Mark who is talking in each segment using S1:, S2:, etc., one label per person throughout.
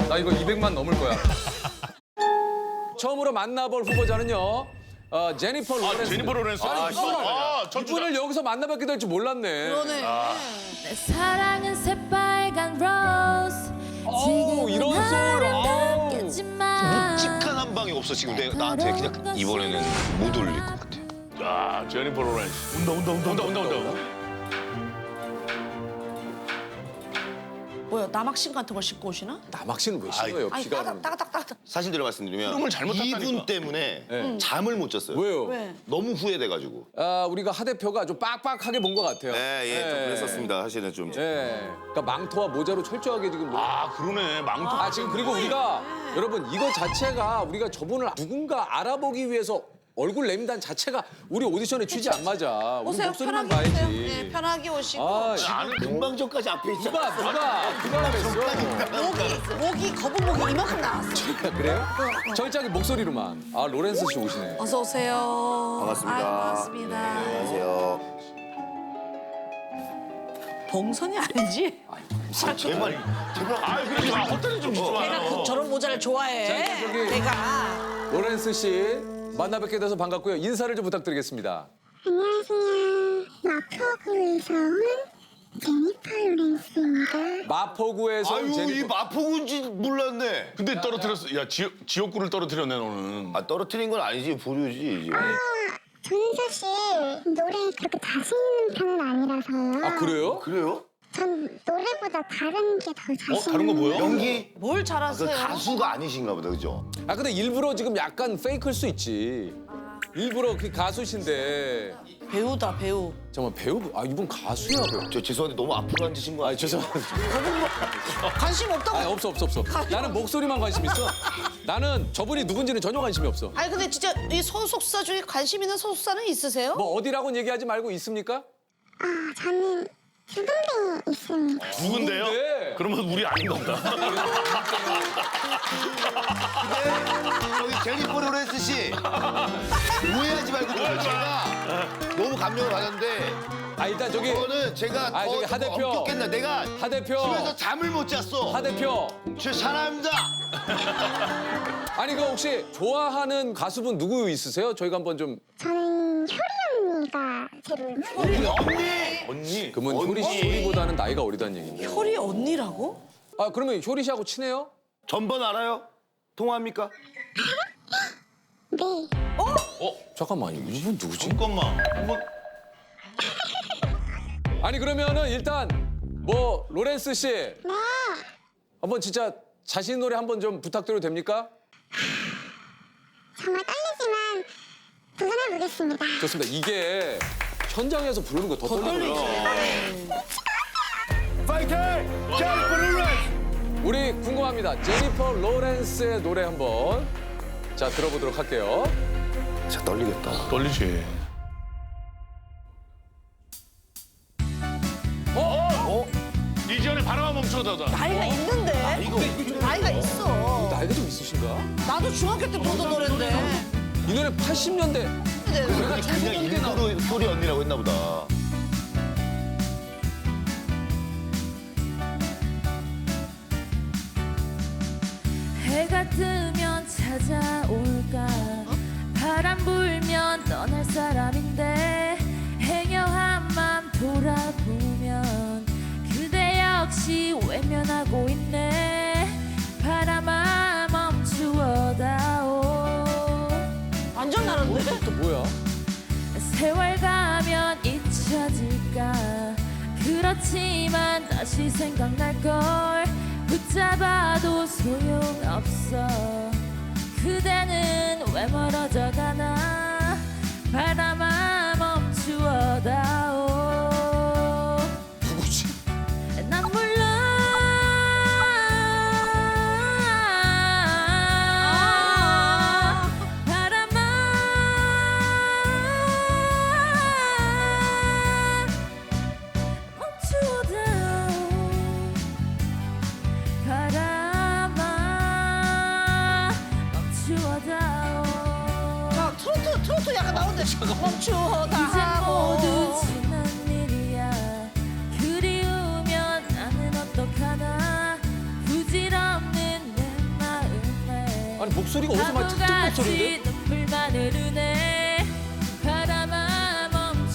S1: 나 이거 200만 넘을 거야. 처음으로 만나볼 후보자는요. 제니퍼 로렌스.
S2: 제니퍼 로렌스.
S1: 이분을 여기서 만나뵙게 될 줄 몰랐네.
S3: 그러네.
S4: 내 사랑은 새빨간 로즈.
S1: 어우, 이런 소울. 어우.
S4: 겠지만
S5: 묵직한 한 방이 없어 지금 나한테 그냥 이번에는 못 올릴 것 같아.
S2: 야, 제니퍼 로렌스. 온다.
S3: 뭐야, 남학신 같은 걸 신고 오시나?
S1: 남학신은 왜 신어요?
S3: 아니,
S1: 비가 오는데.
S3: 따닥따닥따닥.
S5: 사실대로 말씀드리면
S2: 흐름을 잘못 탔다니까.
S5: 이분 때문에 잠을 못 잤어요.
S1: 왜요?
S3: 왜?
S5: 너무 후회돼가지고.
S1: 우리가 하 대표가 좀 빡빡하게 본 것 같아요.
S5: 네, 좀 그랬었습니다. 사실은 좀.
S1: 예. 그러니까 망토와 모자로 철저하게 지금.
S2: 아, 그러네. 망토.
S1: 지금 그리고 우리가 여러분 이거 자체가 우리가 저분을 누군가 알아보기 위해서 얼굴 내민다는 자체가 우리 오디션의 취지 안 맞아. 우리
S3: 오세요,
S1: 목소리만
S3: 편하게 오세요.
S1: 봐야지.
S3: 네, 편하게 오시고.
S5: 나는 금방 전까지 앞에 있잖아.
S1: 누가 그랬어?
S3: 목이 거북 목이 이만큼 나왔어.
S1: 그래요? 절짝이 목소리로만. 로렌스 씨 오시네.
S3: 어서 오세요.
S5: 반갑습니다.
S3: 아유, 반갑습니다.
S5: 안녕하세요.
S3: 봉선이 아니지?
S5: 제발.
S2: 그러지 마. 헛다리 좀 주지 마.
S3: 내가 저런 모자를 좋아해.
S1: 자, 저기-
S3: 내가.
S1: 로렌스 씨 만나뵙게 돼서 반갑고요. 인사를 좀 부탁드리겠습니다.
S6: 안녕하세요. 마포구에서 온 제니퍼 로렌스입니다.
S1: 마포구에서 온
S5: 아유, 이
S1: 제니퍼.
S5: 마포군지 몰랐네.
S2: 근데 떨어뜨렸어. 야, 지옥구를 떨어뜨렸네, 너는.
S5: 떨어뜨린 건 아니지, 보류지. 이제.
S6: 저는 사실 노래 그렇게 자신 있는 편은 아니라서요.
S1: 그래요?
S5: 그래요?
S6: 전 노래보다 다른 게 더 자신
S2: 다른 거 뭐요?
S5: 연기?
S3: 뭘
S5: 그
S3: 잘하세요?
S5: 가수가 아니신가 보다, 그죠?
S1: 근데 일부러 지금 약간 페이크일 수 있지. 일부러 그 가수신데.
S3: 배우다, 배우.
S1: 잠깐만 배우. 이분 가수야 배우.
S5: 저 죄송한데 너무 앞으로 앉으신 거 아니에요?
S1: 죄송합니다.
S3: 관심 없다고.
S1: 없어. 나는 목소리만 관심 있어. 나는 저분이 누군지는 전혀 관심이 없어.
S3: 아니, 근데 진짜 이 소속사 중에 관심 있는 소속사는 있으세요?
S1: 뭐 어디라고는 얘기하지 말고 있습니까?
S6: 저는 두 군데 있습니다.
S2: 누군데요?
S1: 누군데?
S2: 그러면 우리 아닌가 보다.
S5: 저기 제니퍼 로렌스 씨 오해하지 말고 좀 제가 너무 감명을 받았는데
S1: 일단 저기
S5: 그거는 제가 더
S1: 저기 하 대표.
S5: 엄격했나 내가
S1: 하 대표.
S5: 집에서 잠을 못 잤어.
S1: 하 대표.
S5: 제 사람입니다.
S1: 아니 그 혹시 좋아하는 가수분 누구 있으세요? 저희가 한번 좀.
S6: 저는 효리 언니가 제일
S5: 언니.
S1: 그러면 효리 씨보다는 나이가 어리다는 얘기인데.
S3: 효리 언니라고?
S1: 그러면 효리 씨하고 친해요?
S5: 전번 알아요? 통화합니까?
S6: 네.
S1: 잠깐만 이분 누구지?
S2: 잠깐만. 한번
S1: 아니 그러면은 일단 뭐 로렌스 씨
S6: 네.
S1: 한번 진짜 자신 노래 한번 좀 부탁드려도 됩니까?
S6: 정말 떨리지만 도전해보겠습니다.
S1: 좋습니다. 이게 현장에서 부르는 거 더 떨리고요.
S5: 파이팅! 제니퍼 로렌스!
S1: 우리 궁금합니다. 제니퍼 로렌스의 노래 한번 자 들어보도록 할게요.
S5: 진짜 떨리겠다.
S2: 떨리지. 이전에 바람아 멈춰다다.
S3: 나이가 있는데? 나이가 있어.
S1: 나이가 좀 있으신가?
S3: 나도 중학교 때 부르던 노래인데.
S1: 이 노래 80년대.
S3: 내가
S5: 그냥 일부러 효리 언니라고 했나 보다.
S4: 해가 뜨면 찾아올까 바람 불면 떠날 사람인데 행여한 맘 돌아보면 그대 역시 외면하고 있네. 바람아 멈추어다오.
S3: 완전 다른데?
S1: 또 뭐야?
S4: 세월 가면 잊혀질까 그렇지만 다시 생각날걸 붙잡아도 소용없어. 그대는 왜 멀어져 가나. 바람아 멈추어다오.
S1: 누구지?
S4: 난 몰라. 바람아 멈추어다오. 바람아 멈추어다오.
S3: 트로트 약간 나오는데. 멈추어다
S4: 이제
S3: 하고.
S4: 모두 지난 일이야. 그리우면 나는 어떡하나. 부질없는 내
S1: 아니 목소리가 어디서 막 특급 목소리인데?
S4: 바보같이 눈물만 흐르네 바람아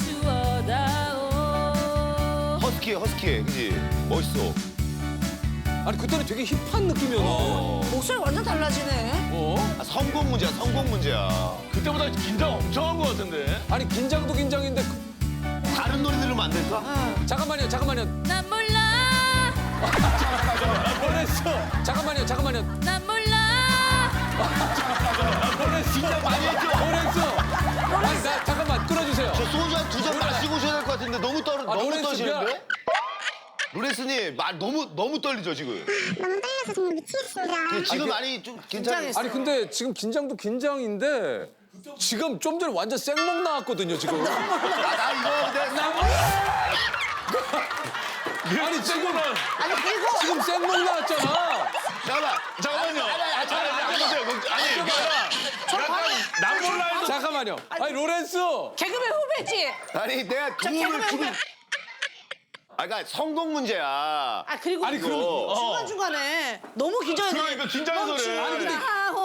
S4: 멈추어다오
S5: 허스키해, 그지? 멋있어.
S1: 아니 그때는 되게 힙한 느낌이었나?
S3: 목소리 완전 달라지네.
S5: 아, 성공 문제야.
S2: 그때보다 긴장 엄청 한 것 같은데.
S1: 아니 긴장도 긴장인데
S5: 다른 노래 들으면 안 될까?
S1: 잠깐만요.
S4: 난 몰라
S1: 로렌스 잠깐만요.
S4: 난 몰라
S1: 로렌스 로렌스 아니 나 잠깐만 끊어주세요.
S5: 저 소주 한 2잔 마시고 오셔야 될 것 같은데 너무
S1: 로렌스
S5: 떨리시는데? 로렌스님 말 너무 떨리죠 지금?
S6: 너무 떨려서 정말 미치겠습니다.
S5: 지금 많이 좀 괜찮아요.
S3: 긴장했어.
S1: 아니 근데 지금 긴장도 긴장인데 지금 좀 전에 완전 생목 나왔거든요 지금.
S5: 나 이거 근데
S1: 아니 지금
S3: 아니 그리고
S1: 지금 생목 나왔잖아.
S2: 잠깐만요. 난 몰라 해도
S1: 잠깐만요. 아니 로렌스.
S3: 개그맨 후배지.
S5: 아니 내가 도움을
S3: 개그맨
S5: 주고
S3: 후배.
S5: 그러니까 성공 문제야.
S3: 아 그리고
S1: 아니, 그럼-
S3: 중간 중간에 너무 긴장해서.
S2: 그러니까 긴장해서 그래.
S1: 아니 근데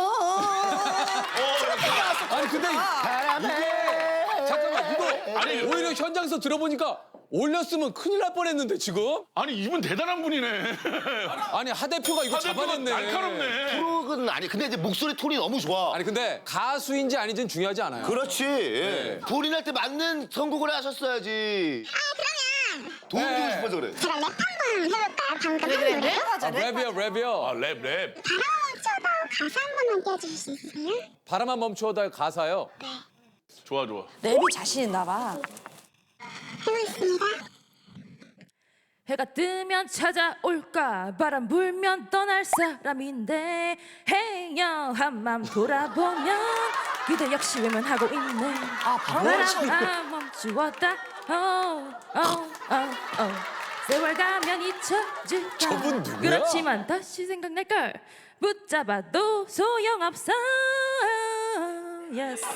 S1: 아니 근데 이게 잠깐만 이거 아니 오히려 현장에서 들어보니까 올렸으면 큰일 날 뻔했는데 지금
S2: 아니 이분 대단한 분이네.
S1: 아니 하 대표가 이거 잡아냈네.
S2: 날카롭네.
S5: 프로는 아니 근데 이제 목소리 톤이 너무 좋아.
S1: 아니 근데 가수인지 아닌지는 중요하지 않아요.
S5: 그렇지. 본인할 때 맞는 선곡을 하셨어야지. 도움 주고
S1: 네.
S5: 싶어서 그래.
S6: 제가 랩 한번 해볼까요? 방금 한 노래?
S3: 랩하자 랩.
S1: 랩이요.
S2: 아, 랩.
S6: 바람아 멈춰다 가사 한 번만 띄워주실 수 있으세요?
S1: 바람만 멈추어다 가사요.
S2: 좋아.
S3: 랩이 자신 있나 봐.
S6: 해보겠습니다.
S4: 해가 뜨면 찾아올까 바람 불면 떠날 사람인데 해영한 맘 돌아보면 그대 역시 외면하고 있네 바람 멈추었다 세월 가면 잊혀질까
S1: 저분 누구야?
S4: 그렇지만 다시 생각날걸 붙잡아도 소용없어 yes.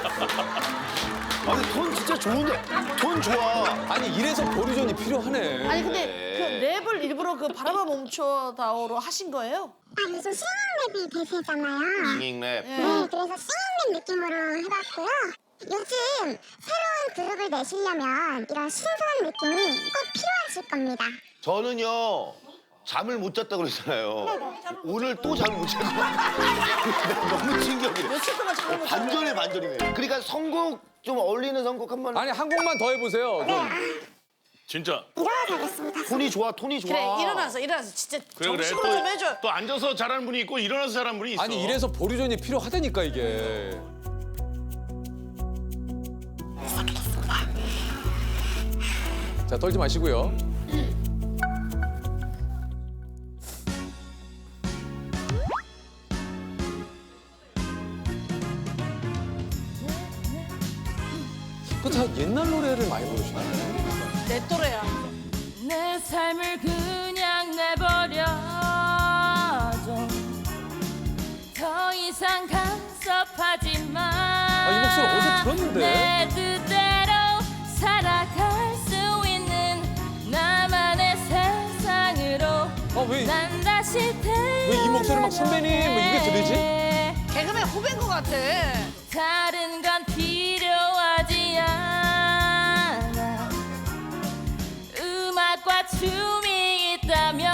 S5: 아니 톤 진짜 좋은데. 톤 좋아.
S1: 아니 이래서 보류전이 필요하네.
S3: 아니 근데 그 랩을 일부러 그 바람아 멈춰다오로 하신 거예요?
S6: 아 요즘 싱잉랩이 대세잖아요.
S5: 싱잉 랩.
S6: 네, 그래서 싱잉랩 느낌으로 해봤고요. 요즘 새로운 그룹을 내시려면 이런 신선한 느낌이 꼭 필요하실 겁니다.
S5: 저는요 잠을 못 잤다고 그랬잖아요. 오늘 또 잠을 못 잤고 너무 충격이네.
S3: 며칠 동안 잠을 못 잤어요.
S5: 반전이네. 그러니까 선곡 좀 어울리는 선곡 한 번.
S1: 아니 한 곡만 더 해보세요. 좀.
S2: 진짜.
S6: 일어나겠습니다.
S5: 톤이 좋아. 톤이 좋아.
S3: 그래 일어나서 진짜
S2: 그래.
S3: 정식으로 좀 해줘.
S2: 또 앉아서 잘하는 분이 있고 일어나서 잘하는 분이 있어.
S1: 아니 이래서 보류전이 필요하다니까 이게. 자 떨지 마시고요. 그 다 옛날 노래를 많이 부르시나요?
S3: 내 또래야.
S4: 내 삶을 그냥 내버려줘 더 이상 간섭하지 마.
S1: 이 목소리 어디서 들었는데?
S4: 내 뜻대로 살아갈 수 있는 나만의 세상으로
S1: 왜
S4: 난 다시 태어나네.
S1: 이 목소리 막 선배님 뭐 이게 들리지?
S3: 개그맨 후배인 것 같아.
S4: 다른 건 필요하지 않아 음악과 춤이 있다면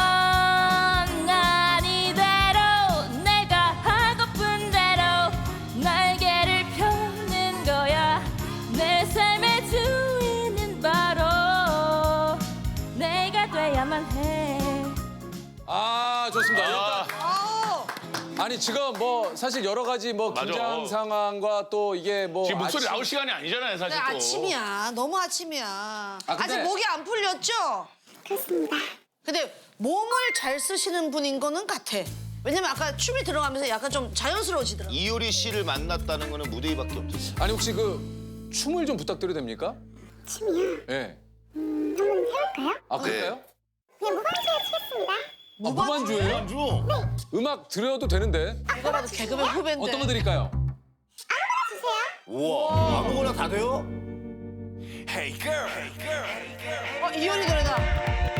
S4: 난 이대로 내가 하고픈 대로 날개를 펴는 거야 내 삶의 주인은 바로 내가 돼야만 해
S1: 아 좋습니다. 일단
S3: 아우.
S1: 아니 지금 뭐 사실 여러 가지 뭐
S2: 맞아.
S1: 긴장 상황과 또 이게 뭐
S2: 지금 목소리
S1: 아침-
S2: 나올 시간이 아니잖아요, 사실
S3: 근데
S2: 또.
S3: 아침이야. 너무 아침이야.
S1: 근데-
S3: 아직 목이 안 풀렸죠?
S6: 그렇습니다.
S3: 근데 몸을 잘 쓰시는 분인 거는 같아. 왜냐면 아까 춤이 들어가면서 약간 좀 자연스러워지더라고.
S5: 이효리 씨를 만났다는 거는 무대 위밖에 없죠.
S1: 아니 혹시 그 춤을 좀 부탁드려도 됩니까?
S6: 춤이요?
S1: 예.
S6: 한번 해볼까요?
S1: 아 그럴까요?
S6: 그냥 무반주로 치겠습니다.
S1: 아, 무반주예요?
S2: 주.
S1: 음악 드려도 되는데
S3: 이거라도 개그맨 후배인데.
S1: 어떤 거 드릴까요?
S6: 주세요.
S5: 우와. 아무거나 다 돼요?
S3: 이효리 노래다.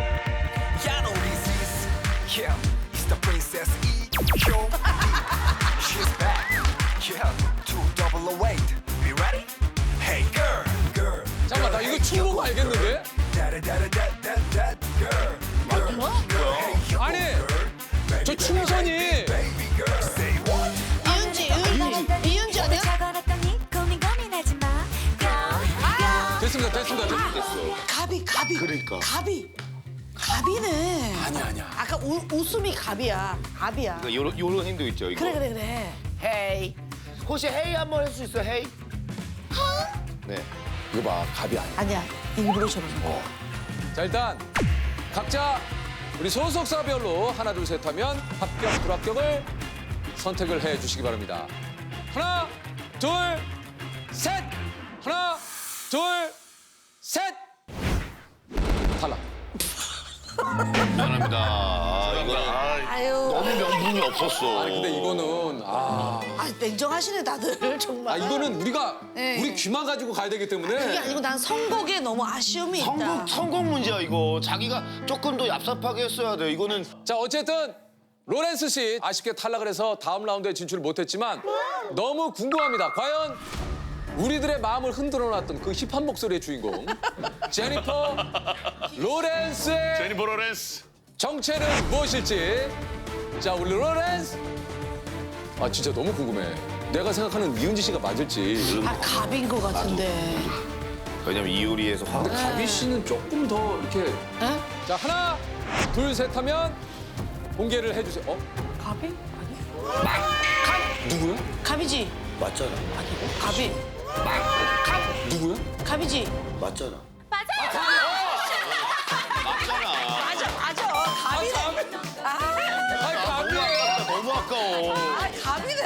S7: Yeah, I know this is, yeah, it's the princess E. Yo. She's back. Yeah, 208. Be ready? Hey girl, girl.
S1: 잠깐만 나 이거 춤 보고 알겠는데?
S7: Da-da-da-da-da-da-da, girl.
S1: 아니 저 춤선이
S7: Baby girl, say what?
S3: 이은지 아니야?
S1: 됐습니다.
S3: 가비.
S5: 그러니까.
S3: 가비네.
S1: 아니야.
S3: 아까 웃음이 가비야. 가비야.
S5: 그러니까 요런 힘도 있죠, 이거.
S3: 그래.
S5: 헤이. 혹시 헤이 한번 할 수 있어, 헤이? 네.
S1: 이거 봐 갑이 아니야.
S3: 아니야. 일부러 저러는 거.
S1: 자 일단 각자 우리 소속사별로 하나 둘 셋 하면 합격 불합격을 선택을 해 주시기 바랍니다. 하나 둘 셋. 하나 둘 셋. 탈락.
S5: 미안합니다. 이거
S3: 아유.
S5: 너무 명분이 없었어.
S1: 아니 근데 이거는
S3: 아, 냉정하시네 다들 정말.
S1: 이거는 우리가
S3: 네.
S1: 우리 귀만 가지고 가야 되기 때문에
S3: 그게 아니고 난 선곡에 너무 아쉬움이 있다.
S5: 선곡 문제야, 이거. 자기가 조금 더 얍삽하게 했어야 돼. 이거는
S1: 자 어쨌든 로렌스 씨 아쉽게 탈락을 해서 다음 라운드에 진출을 못했지만 너무 궁금합니다. 과연 우리들의 마음을 흔들어놨던 그 힙한 목소리의 주인공 제니퍼 로렌스의
S2: 제니퍼 로렌스.
S1: 정체는 무엇일지. 자 우리 로렌스. 아 진짜 너무 궁금해. 내가 생각하는 이은지 씨가 맞을지.
S3: 아 갑인 것 같은데.
S5: 왜냐면 이효리에서 화.
S1: 근데 가비 씨는 조금 더 이렇게.
S3: 에?
S1: 자 하나 둘 셋 하면 공개를 해주세요. 어?
S3: 갑이?
S1: 누구야?
S3: 갑이지.
S5: 맞잖아.
S3: 갑이.
S1: 누구야?
S3: 갑이지.
S5: 맞잖아.
S3: 맞아. 갑이네.
S1: 아니 가비예요.
S5: 너무 아까워.
S3: 아 갑이네.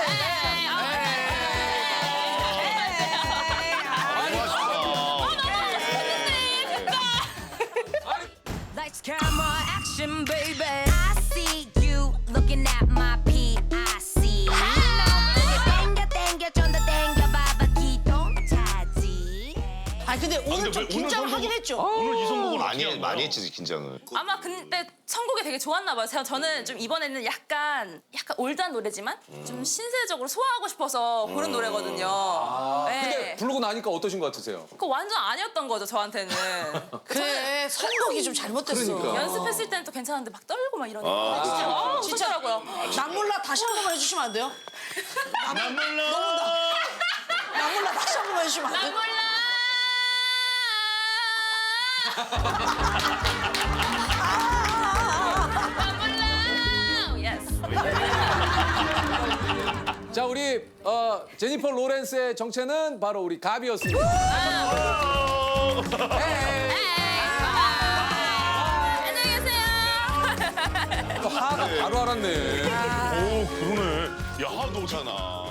S8: Lights, camera, action, baby. I see you looking at my PIC. 땡겨, 땡겨, 좀 더 땡겨봐봐, 기동 차지.
S3: 아 근데 오늘 좀
S2: 왜 오늘
S3: 긴장하긴
S2: 선곡을-
S3: 했죠.
S2: 오늘 이 선곡은
S5: 많이
S2: 어떻게 한
S5: 많이
S2: 거야?
S5: 했지, 긴장을.
S4: 아마 근데 선곡이 되게 좋았나 봐요. 저는 좀 이번에는 약간 올드한 노래지만 좀 신세적으로 소화하고 싶어서 부른 노래거든요. 네.
S1: 근데 부르고 나니까 어떠신 것 같으세요?
S4: 그거 완전 아니었던 거죠, 저한테는.
S3: 그래 선곡이 좀 잘못됐어.
S1: 그러니까.
S4: 연습했을 때는 또 괜찮은데 막 떨고 막 이러니까 진짜 웃었더라고요.
S3: 난 몰라 다시 한 번만 해주시면 안 돼요?
S2: 난 몰라.
S3: 난 몰라 다시 한 번만 해주시면 안
S4: 난
S3: 돼요?
S4: 몰라. 난 몰라. 예스.
S1: 자 우리 제니퍼 로렌스의 정체는 바로 우리 가비였습니다. 에이.
S4: 안녕히 계세요.
S1: 또 하가 바로 알았네.
S2: 오 그러네. 야, 너
S5: 괜찮아.